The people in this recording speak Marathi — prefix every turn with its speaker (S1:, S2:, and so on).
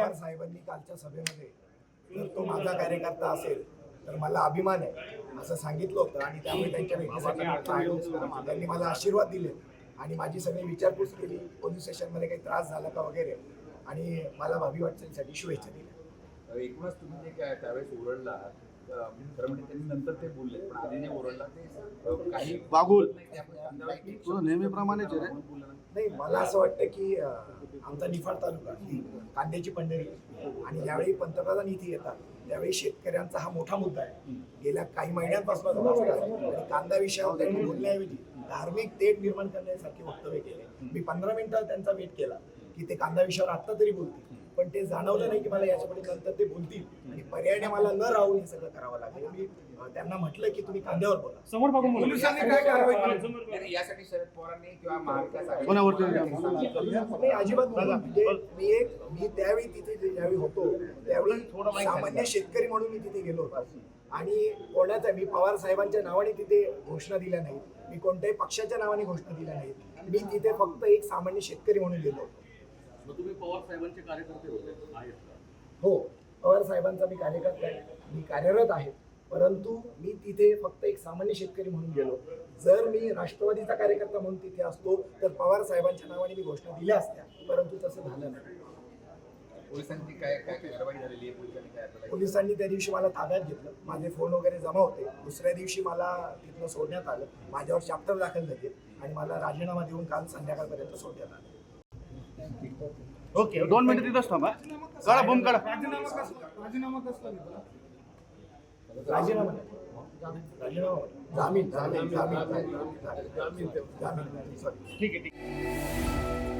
S1: पवार साहेबांनी कालच्या सभेमध्ये जर तो माझा कार्यकर्ता असेल तर मला अभिमान आहे असं सांगितलं होतं आणि त्यामुळे त्यांच्या भेटीसाठी त्यांनी मला आशीर्वाद दिले आणि माझी सगळी विचारपूस केली. पोलीस स्टेशनमध्ये काही त्रास झाला का वगैरे आणि मला भावी वाटचालीसाठी शुभेच्छा दिल्या.
S2: एकूणच तुम्ही जे काय त्यावेळेस ओरडला खरं म्हणजे त्यांनी नंतर ते बोलले पण आधी जे ओरडला ते काही
S3: वागूल
S2: तो
S3: नेहमीप्रमाणेच आहे रे.
S1: नाही, मला असं वाटतं की आमचा निफाड तालुका ही कांद्याची पंढरी आणि ज्यावेळी पंतप्रधान इथे येतात त्यावेळी शेतकऱ्यांचा हा मोठा मुद्दा आहे. गेल्या काही महिन्यांपासून आणि कांदा विषयावर त्यांनी बोलण्याऐवजी धार्मिक तेढ निर्माण करण्यासारखे वक्तव्य केले. मी 15 मिनिटं त्यांचा वेट केला की ते कांदा विषयावर आत्ता तरी बोलतील, पण ते जाणवलं नाही की मला याच्यापुढे नंतर ते बोलतील आणि पर्यायाने मला न राहून हे सगळं करावं लागेल. मी त्यांना म्हटलं की तुम्ही कांद्यावर बोला.
S4: समोर बघून
S2: पोलिसांनी काय कारवाई केली यासाठी शरद पवारांनी किंवा महाविकास
S1: नाही, अजिबात नाही. म्हणजे मी त्यावेळी तिथे ज्यावेळी होतो त्यावेळी सामान्य शेतकरी म्हणून मी तिथे गेलो होतो आणि कोणाचा मी पवार साहेबांच्या नावाने तिथे घोषणा दिल्या नाहीत, मी कोणत्याही पक्षाच्या नावाने घोषणा दिल्या नाहीत. मी तिथे फक्त एक सामान्य शेतकरी म्हणून गेलो होतो.
S3: तुम्ही पवार साहेबांचे कार्यकर्ते होते आहेत का?
S1: हो, पवार साहेबांचा मी कार्यकर्ता आहे, मी कार्यरत आहे, परंतु मी तिथे फक्त एक सामान्य शेतकरी म्हणून गेलो. जर मी राष्ट्रवादीचा कार्यकर्ता म्हणून तिथे असतो तर पवार साहेबांच्या नावाने मी घोषणा दिल्या असत्या, परंतु तसं झालं नाही.
S2: पोलिसांची काय काय कारवाई झालेली आहे पोलिसांनी काय
S1: पोलिसांनी त्या दिवशी मला ताब्यात घेतलं, माझे फोन वगैरे जमा होते. दुसऱ्या दिवशी मला तिथनं सोडण्यात आलं, माझ्यावर चॅप्टर दाखल झाले आणि मला राजीनामा देऊन काल संध्याकाळपर्यंत सोडण्यात आलं.
S3: ओके, 2 मिनिटं तिथंच थांबा. काढा बूम काढा.
S1: राजीनामा जामीन सॉरी.
S4: ठीक आहे.